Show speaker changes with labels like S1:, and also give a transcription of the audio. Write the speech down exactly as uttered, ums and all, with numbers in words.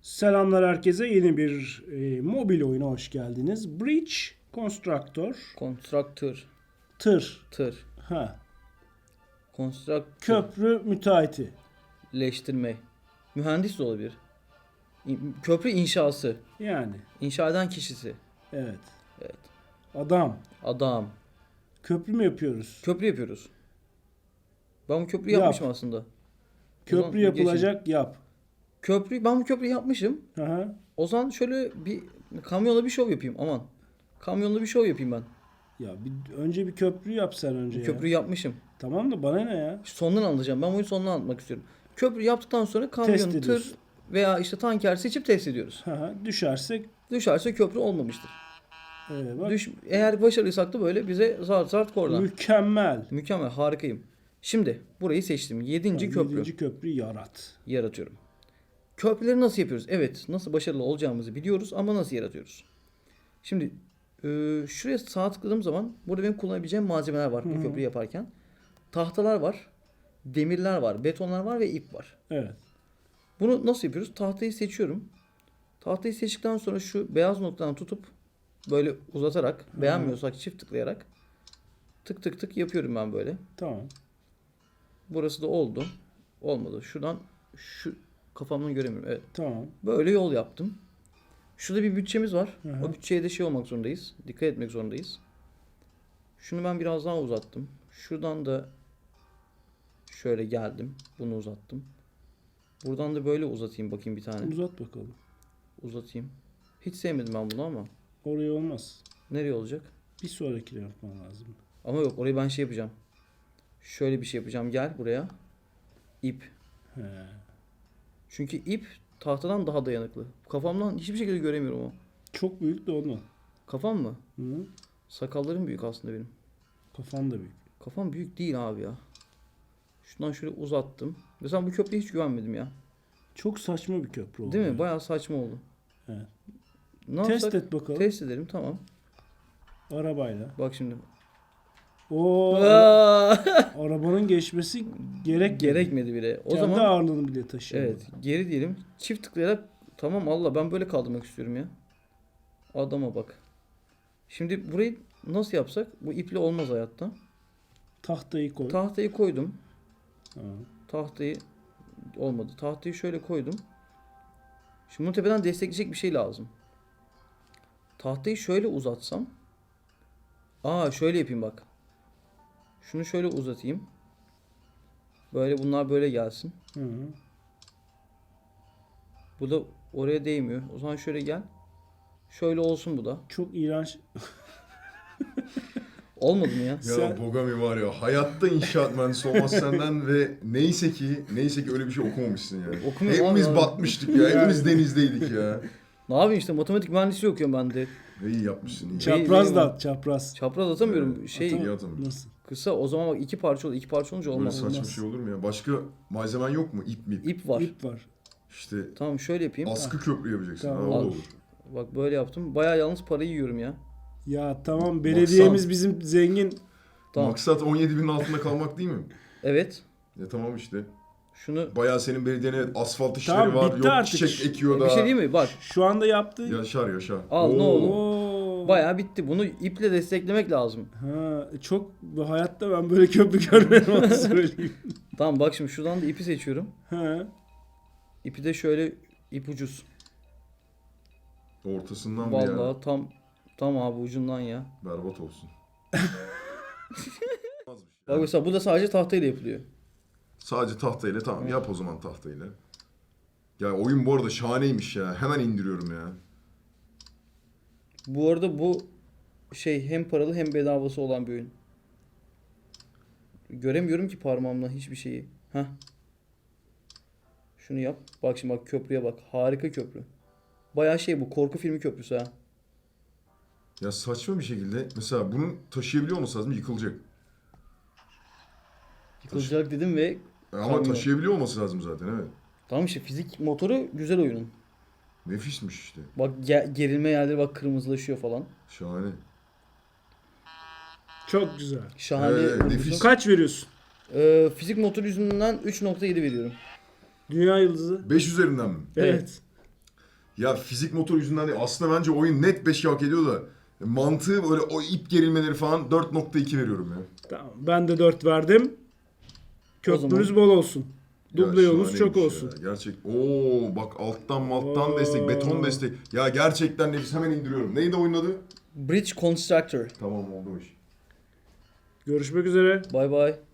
S1: Selamlar herkese. Yeni bir e, mobil oyuna hoş geldiniz. Bridge Constructor.
S2: Konstruktör.
S1: Tır.
S2: Tır.
S1: Ha.
S2: Konstruktör.
S1: Köprü müteahhiti.
S2: Leştirme. Mühendis de olabilir. İ- Köprü inşası.
S1: Yani.
S2: İnşa eden kişisi.
S1: Evet.
S2: Evet.
S1: Adam.
S2: Adam.
S1: Köprü mü yapıyoruz?
S2: Köprü yapıyoruz. Ben bu köprüyü
S1: Yap.
S2: yapmışım aslında. O
S1: Köprü
S2: zaman
S1: yapılacak yap.
S2: Köprü, ben bu köprüyü yapmışım.
S1: Hı hı.
S2: O zaman şöyle bir kamyonla bir şov yapayım. Aman. Kamyonla bir şov yapayım ben.
S1: Ya bir, önce bir köprü yap sen önce
S2: Bu
S1: ya.
S2: köprüyü yapmışım.
S1: Tamam da bana ne ya?
S2: Sondan anlatacağım. Ben bunu sondan anlatmak istiyorum. Köprü yaptıktan sonra kamyon,
S1: Test
S2: tır
S1: ediyorsun.
S2: veya işte tanker seçip test ediyoruz.
S1: Hı hı. Düşersek
S2: Düşerse köprü olmamıştır.
S1: e, bak,
S2: Düş, eğer başarılıysak da böyle bize zart zart kordan.
S1: mükemmel.
S2: Mükemmel, harikayım. Şimdi burayı seçtim. Yedinci
S1: Yani
S2: köprü
S1: yedinci köprü yarat.
S2: yaratıyorum. Köprüleri nasıl yapıyoruz? Evet, nasıl başarılı olacağımızı biliyoruz ama nasıl yaratıyoruz? Şimdi e, şuraya sağ tıkladığım zaman burada benim kullanabileceğim malzemeler var
S1: Hı hı.
S2: bu köprüyü yaparken. Tahtalar var, demirler var, betonlar var ve ip var.
S1: Evet.
S2: Bunu nasıl yapıyoruz? Tahtayı seçiyorum. Tahtayı seçtikten sonra şu beyaz noktadan tutup böyle uzatarak,
S1: Hı.
S2: beğenmiyorsak çift tıklayarak tık tık tık yapıyorum ben böyle.
S1: Tamam.
S2: Burası da oldu. Olmadı. Şuradan şu kafamdan göremiyorum. Evet.
S1: Tamam.
S2: Böyle yol yaptım. Şurada bir bütçemiz var.
S1: Hı hı.
S2: O bütçeye de şey olmak zorundayız. Dikkat etmek zorundayız. Şunu ben biraz daha uzattım. Şuradan da şöyle geldim. Bunu uzattım. Buradan da böyle uzatayım bakayım bir tane.
S1: Uzat bakalım.
S2: Uzatayım. Hiç sevmedim ben bunu ama.
S1: Oraya olmaz.
S2: Nereye olacak?
S1: Bir sonrakine yapman lazım.
S2: Ama yok, orayı ben şey yapacağım. Şöyle bir şey yapacağım. Gel buraya. İp.
S1: He.
S2: Çünkü ip tahtadan daha dayanıklı. Kafamdan hiçbir şekilde göremiyorum o.
S1: Çok büyük de ondan.
S2: Kafam mı?
S1: Hı?
S2: Sakallarım büyük aslında benim.
S1: Kafan da büyük.
S2: Kafam büyük değil abi ya. Şundan şöyle uzattım. Mesela bu köprüye hiç güvenmedim ya.
S1: Çok saçma bir köprü oldu.
S2: Değil mi?
S1: yani.
S2: Bayağı saçma oldu.
S1: Evet.
S2: Ne
S1: Test
S2: yapsak?
S1: et bakalım.
S2: Test edelim, tamam.
S1: Arabayla.
S2: Bak şimdi.
S1: O
S2: Aa!
S1: arabanın geçmesi gerek
S2: Gerekmedi bile. O
S1: Kendi
S2: zaman
S1: ağırlığını bile taşıyor.
S2: evet, geri diyelim. Çift tıklayarak tamam, Allah ben böyle kaldırmak istiyorum ya. Adama bak. Şimdi burayı nasıl yapsak? Bu iple olmaz hayatta.
S1: Tahtayı koy.
S2: Tahtayı koydum.
S1: Ha.
S2: Tahtayı olmadı. Tahtayı şöyle koydum. Şimdi bunu tepeden destekleyecek bir şey lazım. Tahtayı şöyle uzatsam. Aa, şöyle yapayım bak. Şunu şöyle uzatayım. Böyle bunlar böyle gelsin.
S1: Hı.
S2: Bu da oraya değmiyor. O zaman şöyle gel. Şöyle olsun bu da.
S1: Çok iğrenç.
S2: Olmadı mı ya?
S3: Ya
S1: Sen-
S3: Bogami var ya, hayatta inşaat mühendisi olmaz senden ve neyse ki neyse ki öyle bir şey okumamışsın yani.
S2: Okumuyorum
S3: Hepimiz
S2: abi.
S3: batmıştık ya, hepimiz denizdeydik ya.
S2: Ne yapayım işte, matematik mühendisliği okuyorum ben de.
S3: Ve iyi yapmışsın iyi.
S1: Çapraz
S2: iyi
S1: da
S2: mi?
S1: at, çapraz.
S2: Çapraz atamıyorum. Şey
S3: Atamıyorum. Atamıyorum.
S1: Nasıl?
S2: kısa, o zaman bak iki parça oldu. İki parça olunca
S3: Böyle
S2: olmaz.
S3: saçma
S1: olmaz.
S3: şey olur mu ya? Başka malzemen yok mu? İp mi?
S2: İp var.
S1: İp var.
S3: İşte
S2: Tamam, şöyle yapayım.
S3: askı köprü yapacaksın.
S1: Tamam.
S3: Ha, o da
S2: Al.
S3: olur.
S2: Bak böyle yaptım. Bayağı yalnız parayı yiyorum ya.
S1: Ya tamam, belediyemiz bizim zengin.
S2: Tamam.
S3: Maksat on yedi binin altında kalmak değil mi?
S2: Evet.
S3: Ya tamam işte.
S2: Şunu
S3: Bayağı senin belediyenin evet, asfalt işleri
S1: Tamam,
S3: var.
S1: bitti
S3: Yok
S1: artık.
S3: çiçek ekiyor da.
S2: bir şey değil mi? Bak.
S1: Şu anda yaptığı.
S3: Yaşar yaşar.
S2: Al, ne
S3: Oo.
S2: oldu?
S1: Oo.
S2: Bayağı bitti. Bunu iple desteklemek lazım.
S1: Ha, çok bu hayatta ben böyle köprü görmedim, onu söyleyeyim.
S2: Tamam bak, şimdi şuradan da ipi seçiyorum.
S1: Ha.
S2: İpi de şöyle, ip ucuz.
S3: Ortasından bir ya.
S2: Vallahi tam tam abi ucundan ya.
S3: Berbat olsun.
S2: Bak mesela bu da sadece tahtayla yapılıyor.
S3: Sadece tahtayla tamam yap o zaman tahtayla. Ya oyun bu arada şahaneymiş ya. Hemen indiriyorum ya.
S2: Bu arada bu şey hem paralı hem bedavası olan bir oyun. Göremiyorum ki parmağımla hiçbir şeyi. Heh. Şunu yap. Bak şimdi, bak köprüye bak. Harika köprü. Bayağı şey, bu korku filmi köprüsü ha.
S3: Ya saçma bir şekilde mesela bunu taşıyabiliyor olması lazım, yıkılacak.
S2: Yıkılacak dedim ve
S3: Ama
S2: Kamyon.
S3: taşıyabiliyor olması lazım zaten evet.
S2: tamam işte, fizik motoru güzel oyunun.
S3: Nefismiş işte.
S2: Bak ge- gerilme yerleri bak kırmızılaşıyor falan.
S3: Şahane.
S1: Çok güzel.
S2: Şahane.
S3: Evet,
S2: oyun.
S3: nefis.
S1: Kaç veriyorsun?
S2: Ee, fizik motoru yüzünden üç nokta yedi veriyorum.
S1: Dünya yıldızı.
S3: beş üzerinden mi?
S1: Evet.
S3: Ya fizik motor yüzünden değil. Aslında bence oyun net beş hak ediyor da. Mantığı böyle o ip gerilmeleri falan dört nokta iki veriyorum ya.
S1: Tamam. Ben de dört verdim. Köprünüz
S2: zaman-
S1: bol olsun.
S3: Ya
S1: Duble yolunuz çok
S3: şahaneymiş
S1: olsun.
S3: ya. Gerçek. Oo bak alttan malttan
S1: Oo.
S3: destek, beton destek. Ya gerçekten nefis, hemen indiriyorum. Neydi oyunun adı?
S2: Bridge Constructor.
S3: Tamam oldu o iş.
S1: Görüşmek üzere.
S2: Bay bay.